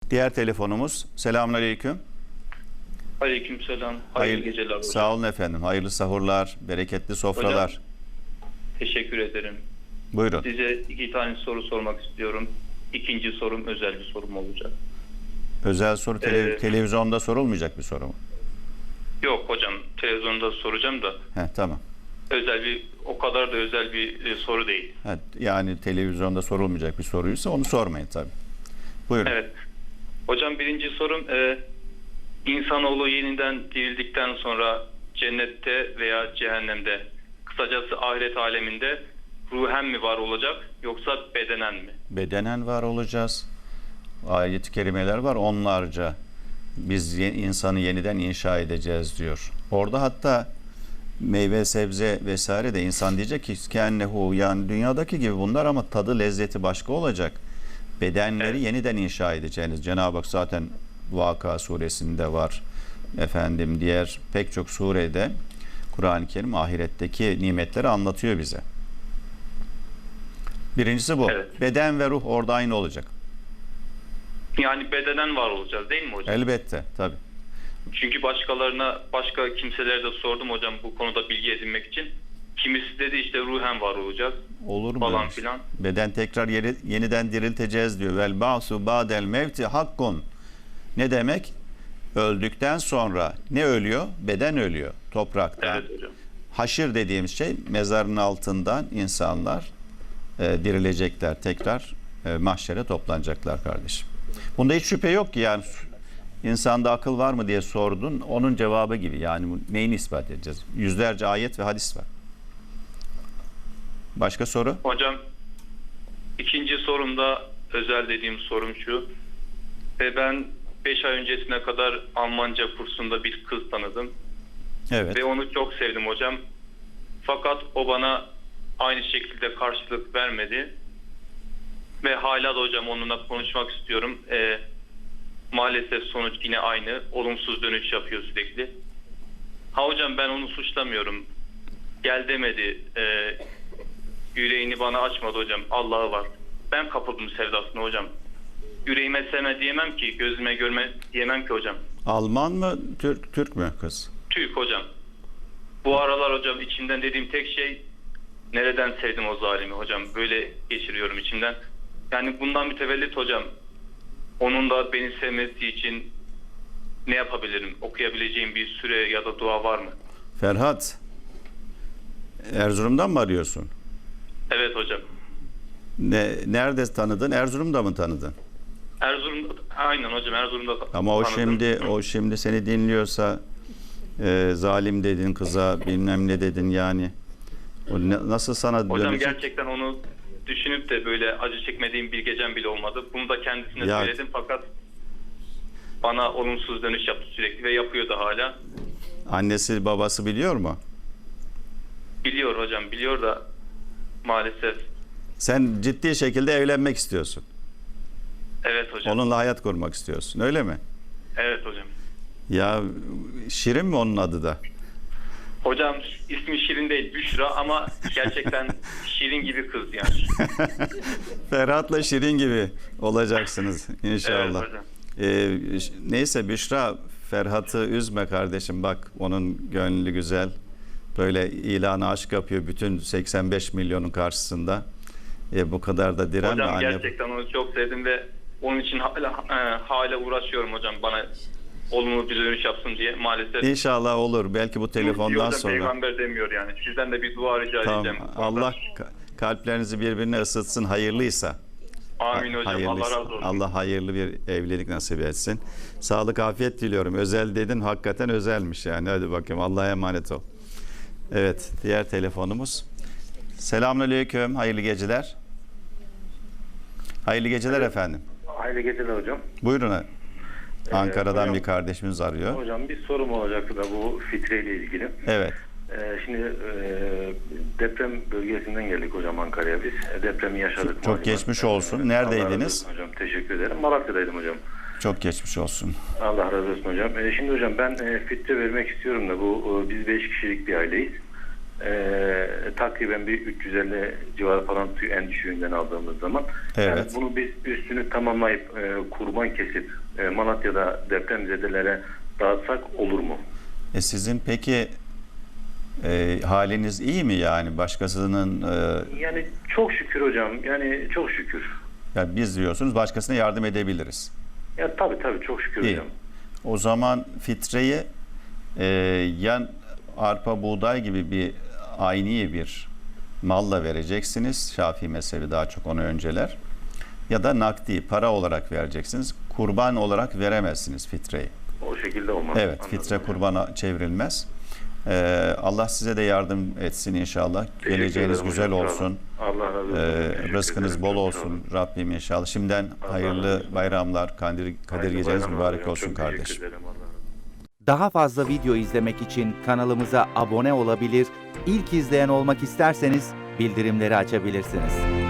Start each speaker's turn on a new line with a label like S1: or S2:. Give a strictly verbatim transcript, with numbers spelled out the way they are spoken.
S1: Diğer telefonumuz. Selamünaleyküm.
S2: Aleykümselam. Hayırlı
S1: Hayırlı
S2: geceler hocam.
S1: Sağ olun efendim. Hayırlı sahurlar, bereketli sofralar.
S2: Hocam, teşekkür ederim.
S1: Buyurun.
S2: Size iki tane soru sormak istiyorum. İkinci sorum özel bir sorum olacak.
S1: Özel soru tele-
S2: Ee,
S1: televizyonda sorulmayacak bir soru mu?
S2: Yok hocam, televizyonda soracağım da
S1: Heh, tamam.
S2: özel bir, o kadar da özel bir e, soru değil.
S1: Heh, yani televizyonda sorulmayacak bir soruysa onu sormayın tabii. Buyurun.
S2: Evet. Hocam birinci sorum, e, insanoğlu yeniden dirildikten sonra cennette veya cehennemde, kısacası ahiret aleminde ruhen mi var olacak yoksa bedenen mi?
S1: Bedenen var olacağız. Ayet-i kerimeler var onlarca. Biz ye- insanı yeniden inşa edeceğiz diyor. Orada hatta meyve, sebze vesaire de insan diyecek ki kennehu, yani dünyadaki gibi bunlar ama tadı, lezzeti başka olacak. Bedenleri
S2: Evet.
S1: yeniden inşa edeceğiniz. Cenab-ı Hak zaten Vaka suresinde var. Efendim diğer pek çok surede Kur'an-ı Kerim ahiretteki nimetleri anlatıyor bize. Birincisi bu.
S2: Evet.
S1: Beden ve ruh orada aynı olacak.
S2: Yani bedenen var olacağız değil mi hocam?
S1: Elbette tabii.
S2: Çünkü başkalarına, başka kimselere de sordum hocam bu konuda bilgi edinmek için. Kimisi dedi işte ruhen var olacağız
S1: Olur mu?
S2: falan
S1: öyle şey?
S2: filan.
S1: Beden tekrar yeri, yeniden dirilteceğiz diyor. Vel ba'su ba'del mevti hakkun. Ne demek? Öldükten sonra ne ölüyor? Beden ölüyor topraktan.
S2: Evet hocam.
S1: Haşir dediğimiz şey mezarın altından insanlar e, dirilecekler, tekrar e, mahşere toplanacaklar kardeşim. Bunda hiç şüphe yok ki, yani insanda akıl var mı diye sordun. Onun cevabı gibi, yani bu neyini ispat edeceğiz? Yüzlerce ayet ve hadis var. Başka soru?
S2: Hocam ikinci sorumda özel dediğim sorum şu. Ve ben beş ay öncesine kadar Almanca kursunda bir kız tanıdım.
S1: Evet.
S2: Ve onu çok sevdim hocam. Fakat o bana aynı şekilde karşılık vermedi. Ve hala da hocam onunla konuşmak istiyorum. Ee, maalesef sonuç yine aynı. Olumsuz dönüş yapıyor sürekli. Ha hocam ben onu suçlamıyorum. Gel demedi. Ee, yüreğini bana açmadı hocam. Allah'ı var. Ben kapıldım sevdasına hocam. Yüreğime sevme diyemem ki. Gözüme görme diyemem ki hocam.
S1: Alman mı, Türk, Türk mü kız?
S2: Türk hocam. Bu aralar hocam içimden dediğim tek şey nereden sevdim o zalimi hocam. Böyle geçiriyorum içimden. Yani bundan mütevellit hocam. Onun da beni sevmesi için ne yapabilirim? Okuyabileceğim bir süre ya da dua var mı?
S1: Ferhat, Erzurum'dan mı arıyorsun?
S2: Evet hocam.
S1: Ne, nerede tanıdın? Erzurum'da mı tanıdın?
S2: Erzurum'da, aynen hocam Erzurum'da
S1: Ama o
S2: tanıdım.
S1: şimdi o şimdi seni dinliyorsa e, zalim dedin kıza, bilmem ne dedin yani. O ne- nasıl sana
S2: Hocam
S1: dönecek?
S2: gerçekten onu düşünüp de böyle acı çekmediğim bir gecem bile olmadı. Bunu da kendisine
S1: Ya-
S2: söyledim fakat bana olumsuz dönüş yaptı sürekli ve yapıyor da hala.
S1: Annesi babası biliyor mu?
S2: Biliyor hocam, biliyor da maalesef.
S1: Sen ciddi şekilde evlenmek istiyorsun.
S2: Evet hocam.
S1: Onunla hayat kurmak istiyorsun, öyle mi?
S2: Evet hocam.
S1: Ya Şirin mi onun adı da?
S2: Hocam ismi Şirin değil, Büşra ama gerçekten Şirin gibi kız yani.
S1: Ferhat'la Şirin gibi olacaksınız inşallah.
S2: Evet hocam.
S1: Ee, ş- neyse Büşra, Ferhat'ı üzme kardeşim, bak onun gönlü güzel. Böyle ilanı aşk yapıyor bütün seksen beş milyonun karşısında. E, bu kadar da direnme
S2: Hocam
S1: anne.
S2: gerçekten onu çok sevdim ve onun için hala, e, hala uğraşıyorum hocam bana olumlu bir dönüş yapsın diye maalesef.
S1: İnşallah olur. Belki bu telefondan
S2: Hocam
S1: sonra.
S2: peygamber demiyor yani. Sizden de bir dua rica
S1: Tamam.
S2: edeceğim.
S1: Allah ka- kalplerinizi birbirine ısıtsın hayırlıysa.
S2: Amin hocam.
S1: Hayırlısı.
S2: Allah razı olsun.
S1: Allah hayırlı bir evlilik nasip etsin. Sağlık, afiyet diliyorum. Özel dedin, hakikaten özelmiş yani. Hadi bakayım, Allah'a emanet ol. Evet, diğer telefonumuz. Selamünaleyküm, hayırlı geceler. Hayırlı geceler
S3: Evet.
S1: efendim.
S3: Hayırlı geceler hocam.
S1: Buyurun. Ankara'dan
S3: hocam-
S1: bir kardeşimiz arıyor.
S3: Hocam bir sorum olacaktı da bu fitreyle ilgili.
S1: Evet.
S3: Ee, şimdi e, deprem bölgesinden geldik hocam Ankara'ya biz. E, depremi yaşadık.
S1: Çok
S3: malum.
S1: geçmiş olsun.
S3: Evet,
S1: Neredeydiniz?
S3: Allah razı olsun hocam, teşekkür ederim. Malatya'daydım hocam.
S1: Çok geçmiş olsun.
S3: Allah razı olsun hocam. E, şimdi hocam ben e, fitre vermek istiyorum da bu e, biz beş kişilik bir aileyiz. Ee, takriben bir üç yüz elli civarı falan tüy en düşüğünden aldığımız zaman.
S1: Evet.
S3: Yani bunu biz üstünü tamamlayıp e, kurban kesip e, Malatya'da depremzedelere dağıtsak olur mu?
S1: E sizin peki e, haliniz iyi mi yani başkasının e,
S3: Yani çok şükür hocam. Yani çok şükür.
S1: ya biz diyorsunuz başkasına yardım edebiliriz.
S3: Ya tabii tabii çok şükür
S1: İyi.
S3: hocam.
S1: O zaman fitreyi e, ya arpa buğday gibi bir ayni bir malla vereceksiniz. Şafii mezhebi daha çok onu önceler. Ya da nakdi para olarak vereceksiniz. Kurban olarak veremezsiniz fitreyi.
S3: O şekilde olmaz.
S1: Evet,
S3: Anladım
S1: fitre
S3: hocam.
S1: kurbana çevrilmez. Ee, Allah size de yardım etsin inşallah.
S3: Teşekkür
S1: Geleceğiniz
S3: ederim
S1: güzel
S3: hocam, sağ
S1: olsun.
S3: olun. Allah razı olsun.
S1: Ee,
S3: Teşekkür
S1: rızkınız
S3: ederim,
S1: bol
S3: çok sağ
S1: olsun
S3: olun.
S1: Rabbim inşallah. Şimdiden
S3: Allah
S1: hayırlı
S3: razı olsun.
S1: bayramlar, Kadir, Kadir
S3: Hayırlı
S1: geceniz
S3: bayramlar
S1: mübarek
S3: hocam,
S1: olsun
S3: çok
S1: kardeşim.
S3: teşekkür ederim. Allah razı olsun.
S4: Daha fazla video izlemek için kanalımıza abone olabilir, ilk izleyen olmak isterseniz bildirimleri açabilirsiniz.